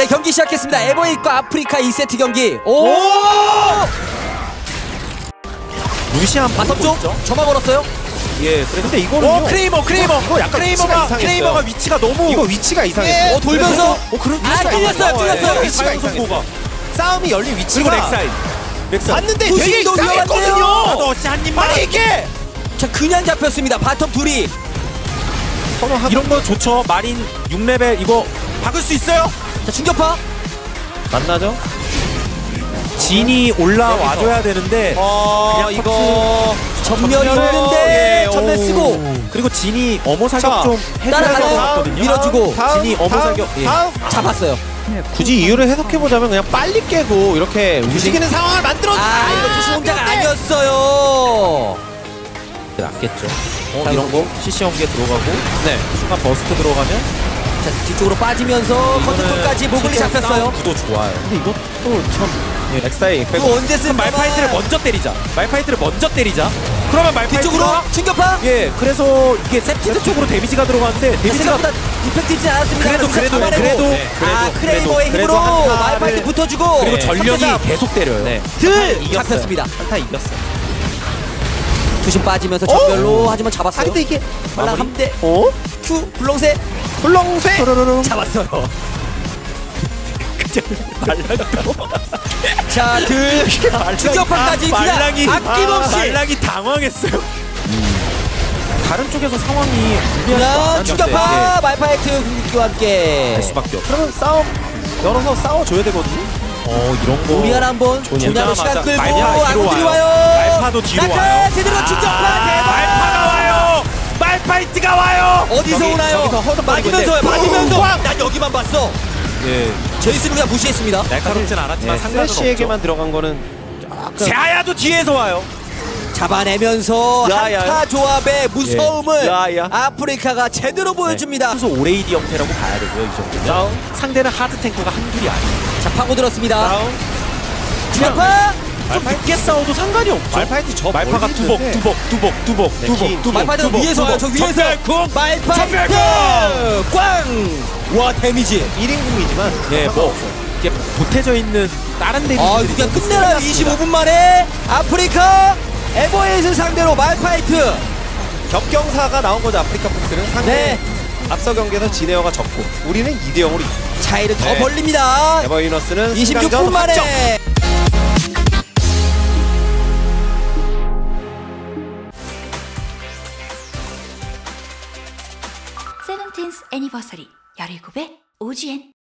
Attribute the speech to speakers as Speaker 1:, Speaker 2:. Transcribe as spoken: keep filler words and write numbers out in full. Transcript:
Speaker 1: 경기 시작했습니다. 에버에잇과 아프리카 이 세트 경기. 오! 오!
Speaker 2: 루시안
Speaker 1: 바텀 쪽 점화 걸었어요.
Speaker 2: 예, 근데 이거는
Speaker 3: 오 크레이머 크레이머
Speaker 2: 이거 약간
Speaker 3: 크레이머가
Speaker 2: 위치가
Speaker 3: 크레이머가 위치가 너무
Speaker 2: 이거 위치가 이상했어요.
Speaker 1: 예, 어, 돌면서
Speaker 2: 어, 그런
Speaker 1: 아, 뚫렸어요, 뚫렸어요.
Speaker 2: 위치가 이상했어요. 싸움이 열린 위치가
Speaker 3: 그리고 렉사이드 렉사이드
Speaker 2: 봤는데 되게
Speaker 1: 부실도
Speaker 2: 이상했거든요.
Speaker 1: 위험한데요.
Speaker 3: 나도 어찌 한 입만
Speaker 2: 아니 이게
Speaker 1: 자, 그냥 잡혔습니다. 바텀 둘이.
Speaker 2: 서로 한
Speaker 3: 이런 거 좋죠. 마린 육 레벨 이거 박을 수 있어요?
Speaker 1: 자, 충격파.
Speaker 2: 만나죠?
Speaker 3: 진이 올라와줘야 되는데
Speaker 2: 어
Speaker 3: 그냥
Speaker 2: 이거
Speaker 1: 전멸이
Speaker 2: 전멸.
Speaker 1: 있는데
Speaker 2: 예,
Speaker 1: 전멸
Speaker 2: 오.
Speaker 1: 쓰고
Speaker 3: 그리고 진이 어머
Speaker 2: 자,
Speaker 3: 사격 좀 해줘야
Speaker 1: 따라가요.
Speaker 3: 될 것 같거든요.
Speaker 1: 밀어주고.
Speaker 2: 다음,
Speaker 3: 진이 어머
Speaker 2: 다음,
Speaker 3: 사격 예.
Speaker 2: 다음.
Speaker 1: 잡았어요.
Speaker 2: 굳이 이유를 해석해보자면 그냥 빨리 깨고 이렇게 움직이는 상황을 만들어.
Speaker 1: 아, 이거 투수 공작 아니었어요.
Speaker 3: 낫겠죠. 어,
Speaker 1: 자,
Speaker 3: 이런 거 씨씨 연계 들어가고
Speaker 2: 네.
Speaker 3: 순간 버스트 들어가면
Speaker 1: 자, 뒤쪽으로 빠지면서 컨트롤까지 모글리 잡혔어요.
Speaker 3: 구도 좋아요.
Speaker 2: 근데 이것도 참 예, 엑사이
Speaker 1: 또 언제 쓴
Speaker 3: 말파이트를 먼저 때리자. 말파이트를 먼저 때리자. 그러면 말파이트가
Speaker 1: 뒤쪽으로 충격파.
Speaker 3: 예, 그래서 이게 세티드 쪽으로 데미지가 들어가는데 데미지가
Speaker 1: 생각보다 이펙트이지 않았습니다.
Speaker 3: 그래도,
Speaker 1: 여기서
Speaker 3: 그래도,
Speaker 1: 잡아내고.
Speaker 3: 그래도,
Speaker 1: 아,
Speaker 3: 그래도,
Speaker 1: 크레이머의
Speaker 3: 그래도,
Speaker 1: 힘으로
Speaker 3: 그래도 한타를-
Speaker 1: 말파이트 붙어주고
Speaker 3: 그리고
Speaker 2: 네.
Speaker 3: 전력이
Speaker 1: 삼 대 삼.
Speaker 3: 계속 때려요.
Speaker 2: 네.
Speaker 1: 들
Speaker 2: 이겼어요.
Speaker 1: 잡혔습니다.
Speaker 2: 한타 이겼어요.
Speaker 1: 투심 빠지면서 전멸로 하지만 잡았어요.
Speaker 2: 아 근데 이게
Speaker 1: 말랑
Speaker 3: 마무리?
Speaker 1: 함대
Speaker 2: 어?
Speaker 1: 큐 블렁새
Speaker 2: 불렁쇠.
Speaker 1: 잡았어요. 자, 들 충격파까지 그냥
Speaker 3: 말랑이
Speaker 1: 아낌없이
Speaker 3: 말랑이 당황했어요. 다른 쪽에서 상황이
Speaker 1: 그냥 충격파 말파이트 공격기와 함께
Speaker 3: 할 수밖에 없어.
Speaker 2: 그러면 싸움 열어서 싸워줘야 되거든요.
Speaker 3: 어 이런 거.
Speaker 1: 우리 하나 한번
Speaker 3: 조냐로
Speaker 1: 조냐로 시간
Speaker 3: 맞아.
Speaker 1: 끌고
Speaker 3: 말파 뒤로
Speaker 1: 아군들이
Speaker 3: 와요.
Speaker 1: 와요.
Speaker 3: 말파도 뒤로
Speaker 1: 낙하
Speaker 3: 와요.
Speaker 1: 제대로 충격파
Speaker 3: 아,
Speaker 1: 대박.
Speaker 3: 말파가 와요. 말파이트가 와요.
Speaker 1: 어디서
Speaker 2: 저기,
Speaker 1: 오나요?
Speaker 2: 저기서 허덕거리고
Speaker 1: 맞으면서요.
Speaker 2: 있는데
Speaker 1: 맞으면서.
Speaker 2: 꽝!
Speaker 1: 난 여기만 봤어.
Speaker 3: 예,
Speaker 1: 제이슨을 그냥 무시했습니다.
Speaker 3: 날카롭진 않았지만
Speaker 2: 네,
Speaker 3: 상관은
Speaker 2: 슬래시에게만
Speaker 3: 없죠.
Speaker 2: 들어간 거는 약간
Speaker 3: 제아야도 뒤에서 와요.
Speaker 1: 잡아내면서
Speaker 2: 야, 야,
Speaker 1: 한타 조합의 무서움을
Speaker 2: 야, 야.
Speaker 1: 아프리카가 제대로 보여줍니다.
Speaker 3: 그래서 오레이디 형태라고 봐야 되고요. 이 정도면.
Speaker 2: 다운
Speaker 3: 상대는 하드 탱크가 한둘이 아니에요.
Speaker 1: 자, 파고들었습니다.
Speaker 2: 다운
Speaker 1: 충격파.
Speaker 3: 좀 늦게 싸워도 상관이 없죠.
Speaker 2: 말파이트 저
Speaker 3: 말파가
Speaker 2: 멀리
Speaker 3: 두복
Speaker 2: 있는데.
Speaker 3: 두복 두복 두복
Speaker 2: 네,
Speaker 3: 두복
Speaker 2: 긴-
Speaker 3: 두복
Speaker 1: 말파이트가
Speaker 3: 두복,
Speaker 1: 위에서 와요.
Speaker 3: 두복.
Speaker 1: 저 위에서.
Speaker 3: 전멸궁!
Speaker 1: 말파이트
Speaker 3: 전멸궁!
Speaker 1: 꽝. 와, 데미지.
Speaker 2: 일 인궁이지만
Speaker 3: 예, 뭐 이게 보태져 있는 다른 데미지들이
Speaker 1: 아, 그냥 끝내라. 이십오 분 만에 아프리카 에버에잇을 상대로 말파이트.
Speaker 2: 겹경사가 나온 거죠. 아프리카 폭스는 상대
Speaker 1: 네.
Speaker 2: 앞서 경기에서 지네어가 졌고 우리는 이 대 영으로
Speaker 1: 차이를 더
Speaker 2: 네.
Speaker 1: 벌립니다.
Speaker 2: 에버유너스는
Speaker 1: 이십육 분 만에.
Speaker 4: 세븐틴스 애니버서리 열일곱의 오지엔